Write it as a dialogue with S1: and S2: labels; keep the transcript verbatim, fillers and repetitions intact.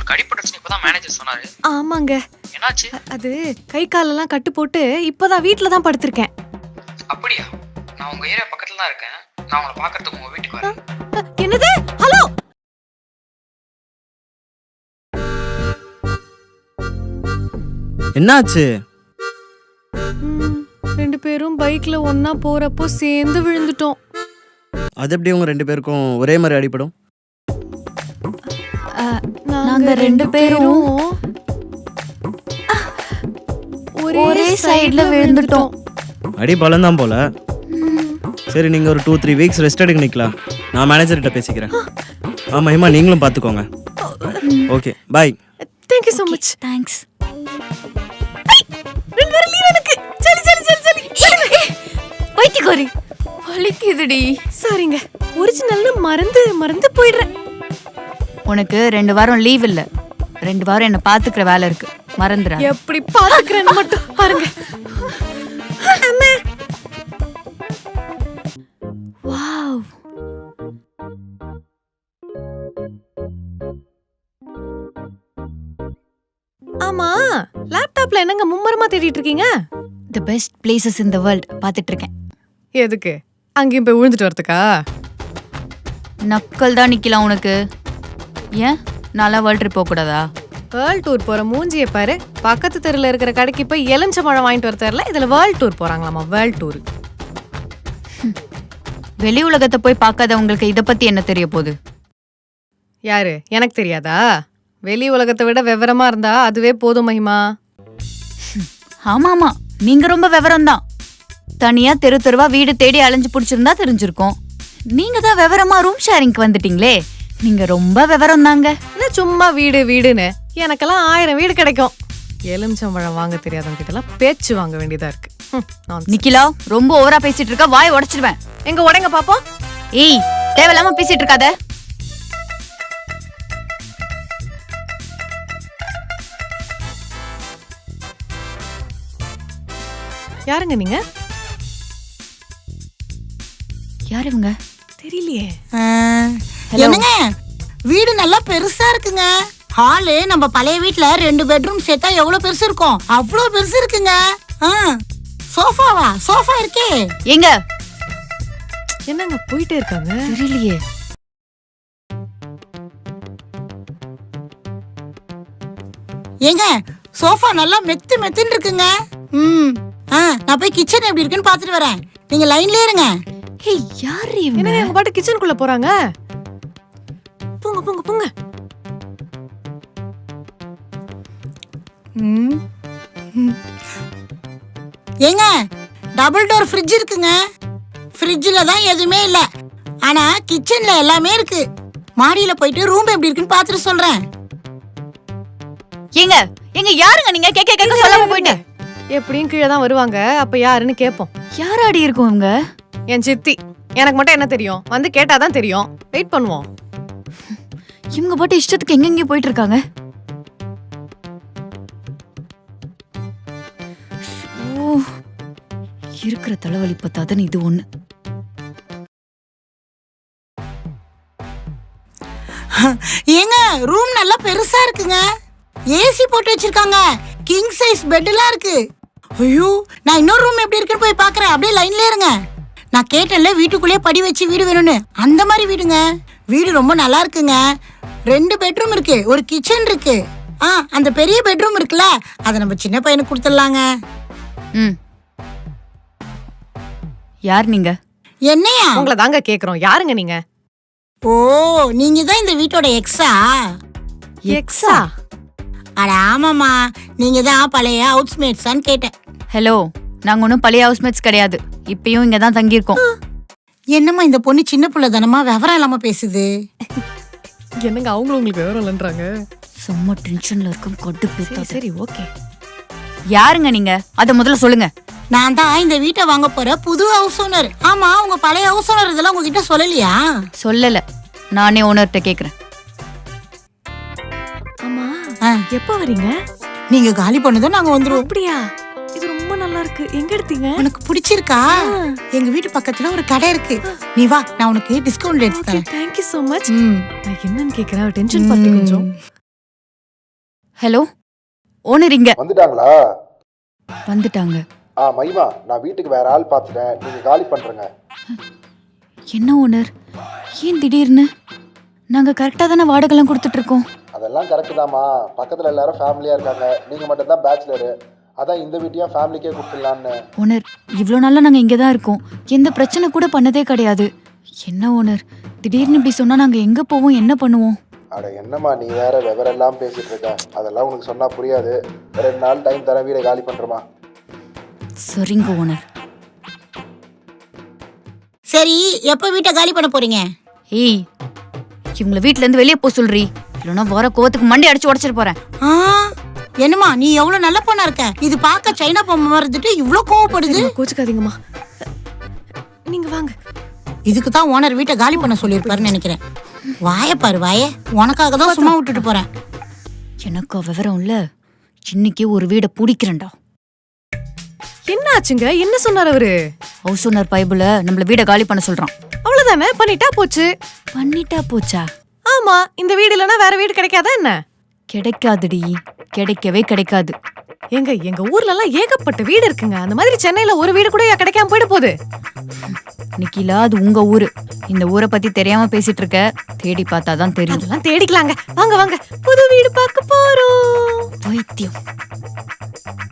S1: அடிபட்டுருச்சுன்னு இப்பதான் மேனேஜர் சொன்னாரு.
S2: ஆமாங்க.
S1: என்னாச்சு?
S2: அது கை காலெல்லாம் கட்டு போட்டு இப்பதான் வீட்ல தான் படுத்திருக்கேன்.
S1: அப்படியா? நான் உங்க ஏரியா பக்கத்துல தான் இருக்கேன். நான் உங்களை பார்க்கறதுக்கு உங்க வீட்டுக்கு வரேன்.
S2: என்னது? ஹலோ.
S3: என்னாச்சு?
S2: ரெண்டு பேரும் பைக்ல ஒன்னா போறப்போ சேர்ந்து விழுந்துட்டோம்.
S3: அது எப்படி உங்க ரெண்டு பேருக்கும் ஒரே மாதிரி அடிபடும்?
S2: நாங்க ரெண்டு பேரும் ஒரே சைடுல விழுந்துட்டோம்.
S3: அடி பலம் தான் போல. சரி, நீங்க ஒரு டூ த்ரீ வீக்ஸ் ரெஸ்ட் எடுக்க நிக்கலாம். நான் மேனேஜர்கிட்ட பேசிக்கிறேன். ஆ மஹிமா, நீங்களும் பார்த்துக்கோங்க. Okay, bye.
S2: Thank you so much.
S4: Thanks.
S2: ரெண்டு பேரும் லீவ் எனக்கு. சரி சரி சரி சரி.
S4: பைத்தியக்காரி. வலிக்குதுடி.
S2: சாரிங்க. ஒரிஜினல்னு மறந்து மறந்து போயிடுறேன்.
S4: உனக்கு ரெண்டு வாரம் லீவ் இல்ல. ரெண்டு வாரம் என்ன பாத்துக்கிற வேலை இருக்கு. மறந்துடா.
S2: எப்படி பாத்துக்கிறேன்னு மட்டும் பாருங்க. அம்மா.
S4: வாவ்.
S2: ஆமா, லேப்டாப்ல என்னங்க மும்மரமா தேடிட்டு இருக்கீங்க?
S4: The best places in the world பாத்துட்டு இருக்கேன்.
S2: எதுக்கு? அங்கேயும் போய் விழுந்துட்டு வரதுக்கா?
S4: நக்கல் தான் நிக்கலாம் உனக்கு. ஏன் நல்லா வேர்ல்ட் ட்ரிப் போக கூடாதா?
S2: வேர்ல்ட் டூர் போற மூஞ்சியை பாரு. பக்கத்து தெருல இருக்கிற கடைக்கு போய் எலுமிச்சை பழம் வாங்கிட்டு வர தெரியல. இதுல வேர்ல்ட் டூர் போறாங்களாமா. World tour.
S4: வெளி உலகத்தை போய் பார்க்காதவங்களுக்கு இத பத்தி என்ன தெரிய போகுது?
S2: யாரு? எனக்கு தெரியாதா? வெளி உலகத்தை விட விவரமா இருந்தா அதுவே போதும் மகிமா.
S4: ஆமா ஆமா, நீங்க ரொம்ப விவரம் தான். தனியா தெரு தெருவா வீடு தேடி அலைஞ்சு பிடிச்சிருந்தா தெரிஞ்சிருக்கும். நீங்க தான் விவரமா ரூம் ஷேரிங்க்கு வந்துட்டீங்களே. நீங்க ரொம்ப விவரம் தாங்க.
S2: என்ன சும்மா வீடு வீடுன்னு? எனக்கெல்லாம் ஆயிரம் வீடு கிடைக்கும். எலுமிச்சம்பழம் வாங்க தெரியாதவங்க கிட்ட எல்லாம் பேச்சு வாங்க வேண்டியதா இருக்கு.
S4: நிக்கிலா, ரொம்ப ஓவரா பேசிட்டு இருக்க. வாய் உடைச்சிடுவேன்.
S2: எங்க உடைங்க பாப்போம்.
S4: ஏய், தேவையில்லாம பேசிட்டு இருக்காத.
S2: யாருங்க நீங்க?
S4: யார் இவங்க?
S2: தெரியலையே.
S5: என்னங்க, வீடு நல்லா பெருசா இருக்குங்க. ஹாலு நம்ம பழைய வீட்ல ரெண்டு பெட்ரூம் சேர்த்தா எவ்வளவு பெருசு இருக்கும்? அவ்வளவு பெருசு இருக்குங்க. சோஃபாவா? சோஃபா இருக்கே.
S4: எங்க?
S2: என்னங்க போயிட்டே இருக்காங்க?
S4: தெரியலையே.
S5: ஏங்க, சோஃபா நல்லா மெத்து மெத்துன்னு இருக்குங்க. ம் ஆ நான் போய் கிச்சன் எப்படி இருக்குன்னு பார்த்துட்டு வரேன். நீங்க லைன்லயே இருங்க.
S4: ஏய், யார் இவங்க?
S2: என்னங்க எங்க பாட்டு கிச்சனுக்குள்ள போறாங்க? போங்க போங்க போங்க.
S5: ம் ஏங்க, டபுள் டோர் ஃப்ரிட்ஜ் இருக்குங்க. ஃப்ரிட்ஜில் தான் எதுவுமே இல்லை, ஆனா கிச்சன்ல எல்லாமே இருக்கு. மாடியில போயிட்டு ரூம் எப்படி இருக்குன்னு பார்த்துட்டு சொல்றேன்.
S4: ஏங்க, எங்க யாருங்க நீங்க? கேக்க கேக்க சொல்லாம போயிட்டு.
S2: எப்படியும் கீழே தான் வருவாங்க. அப்ப யாருன்னு கேப்போம்.
S4: யாராடி இருக்கும் இவங்க?
S2: என் சித்தி. எனக்கு மட்டும் என்ன தெரியும்? வந்து கேட்டாதான் தெரியும். வெயிட் பண்ணுவோம்.
S4: இவங்க பாட்டு இஷ்டத்துக்கு எங்கெங்க போயிட்டு இருக்காங்க. ஓ, இருக்கிற தலைவலி பத்தாதன்னு இது ஒண்ணு.
S5: ஏங்க, ரூம் நல்லா பெருசா இருக்குங்க. ஏசி போட்டு வச்சிருக்காங்க. கிங் சைஸ் பெட் எல்லாம் இருக்கு. ஐயோ, நான் இன்னொரு ரூம் எப்படி இருக்குன்னு போய் பாக்குறேன். அப்படியே லைன்ல இருங்க. நான் கேட்டேன்ல வீட்டுக்குள்ளேயே படி வச்சு வீடு வேணும்னு. அந்த மாதிரி வீடுங்க. வீடு ரொம்ப நல்லா இருக்குங்க. ரெண்டு பெட்ரூம் இருக்கு, ஒரு கிச்சன் இருக்கு. ஆ அந்த பெரிய பெட்ரூம் இருக்குல்ல, அதை நம்ம சின்ன பையனுக்கு கொடுத்துடலாங்க.
S4: ம், யார் நீங்க?
S5: என்னையா?
S2: உங்களை தாங்க கேக்குறோம். யாருங்க நீங்க?
S5: ஓ, நீங்க தான் இந்த வீட்டோட எக்ஸா?
S2: எக்ஸா?
S5: அட ஆமாம்மா, நீங்க தான் பழைய ஹவுஸ்மேட்ஸான்னு கேட்டேன்.
S4: ஹலோ, நாங்க ஒன்றும் பழைய ஹவுஸ்மேட்ஸ் கிடையாது. இப்பயும் இங்க தான் தங்கியிருக்கோம்.
S5: என்னம்மா இந்த பொண்ணு சின்ன பிள்ளை தானம்மா, விவரம் இல்லாம பேசுது.
S2: என்னங்க அவங்களும் உங்களுக்கு விவரம் இல்லைன்றாங்க.
S4: சும்மா டென்ஷன்ல இருக்கும். கொட்டு பேச.
S2: சரி ஓகே.
S4: யாருங்க நீங்க? அத முதல்ல சொல்லுங்க.
S5: நான் தான் இந்த வீட்டை வாங்க போற புது ஹவுஸ் ஓனர். ஆமா, உங்க பழைய ஹவுஸ் ஓனர் இதெல்லாம் உங்ககிட்ட சொல்லலையா?
S4: சொல்லல, நானே ஓனர்கிட்ட கேக்குறேன்.
S2: ஆமா, எப்ப வரீங்க?
S5: நீங்க காலி பண்ணதும் நாங்க வந்துருவோம்.
S2: அப்படியா? இது ரொம்ப நல்லா இருக்கு. எங்க எடுத்தீங்க?
S5: உனக்கு பிடிச்சிருக்கா? எங்க வீட்டு பக்கத்துல ஒரு கடை இருக்கு. நீ வா, நான் உனக்கு டிஸ்கவுண்ட் எடுத்து தரேன்.
S2: Thank you so much. நான் என்னன்னு கேக்குறேன். டென்ஷன் பார்ட்டி கொஞ்சம்.
S4: ஹலோ ஓனர் இங்க
S6: வந்துட்டாங்களா?
S4: வந்துட்டாங்க.
S6: ஆ மகிமா, நான் வீட்டுக்கு வேற ஆள் பார்த்துட்டேன், நீங்க காலி பண்றேங்க.
S4: என்ன ஓனர், ஏன் திடீர்னு? நாங்க கரெக்டா தானே வாடகைலாம் கொடுத்துட்டு இருக்கோம்.
S6: அதெல்லாம் கரெக்டு தாம்மா, பக்கத்துல எல்லாரும் ஃபேமிலியா இருக்காங்க, நீங்க மட்டும் தான் பேச்சுலரு, அதான் இந்த வீட்டையும் ஃபேமிலிக்கே கொடுத்துடலான்னு.
S4: ஓனர், இவ்வளோ நாளா நாங்க இங்கே தான் இருக்கோம், எந்த பிரச்சனை கூட பண்ணதே கிடையாது. என்ன ஓனர், திடீர்னு இப்படி சொன்னா நாங்க எங்க போவோம், என்ன பண்ணுவோம்?
S6: அட என்னம்மா நீ வேற விவரெல்லாம் பேசிட்டு இருக்க, அதெல்லாம் உனக்கு சொன்னா புரியாது. ரெண்டு நாள் டைம் தர, வீடை காலி பண்றமா.
S4: சரிங்க ஓனர்.
S5: சரி, எப்போ வீட்டை காலி பண்ண போறீங்க?
S4: ஏய், இவங்களை வீட்ல இருந்து வெளியே போக சொல்றீ, இல்லைன்னா வர கோவத்துக்கு மண்டி அடிச்சு உடச்சிட்டு போறேன்.
S5: ஆ, என்னம்மா நீ எவ்வளவு நல்ல பொண்ணா இருக்க, இது பார்க்க சைனா பொம்மை இருந்துட்டு இவ்ளோ கோவப்படுது.
S2: சரிம்மா, கோச்சுக்காதீங்கம்மா. நீங்க வாங்க.
S5: இதுக்கு தான் ஓனர் வீட்டை காலி பண்ண சொல்லியிருப்பாருன்னு நினைக்கிறேன். வாய பாரு வாய, உனக்காக தான் சும்மா விட்டுட்டு போறேன்.
S4: எனக்கு விவரம் இல்ல, இன்னைக்கு ஒரு வீடை பிடிக்கிறேன்டா.
S2: என்ன ஆச்சுங்க? என்ன சொன்னார் அவரு?
S4: ஹவுஸ் ஓனர் பைபிள நம்மள வீடை காலி பண்ண சொல்றான்.
S2: அவ்வளவுதானே, பண்ணிட்டா போச்சு.
S4: பண்ணிட்டா போச்சா?
S2: ஆமா, இந்த வீடு இல்லைன்னா வேற வீடு கிடைக்காதா என்ன?
S4: கிடைக்காதுடி, கிடைக்கவே கிடைக்காது.
S2: எங்க எங்க ஊர்ல எல்லாம் ஏகப்பட்ட வீடு இருக்குங்க. அந்த மாதிரி சென்னையில ஒரு வீடு கூட கிடைக்காம போயிட போகுது.
S4: நிக்கிலா, அது உங்க ஊரு. இந்த ஊரை பத்தி தெரியாம பேசிட்டு இருக்க, தேடி பார்த்தாதான் தெரியும்.
S2: அதெல்லாம் தேடிக்கலாங்க. வாங்க வாங்க, புது வீடு பார்க்க போறோம்.
S4: பைத்தியம்.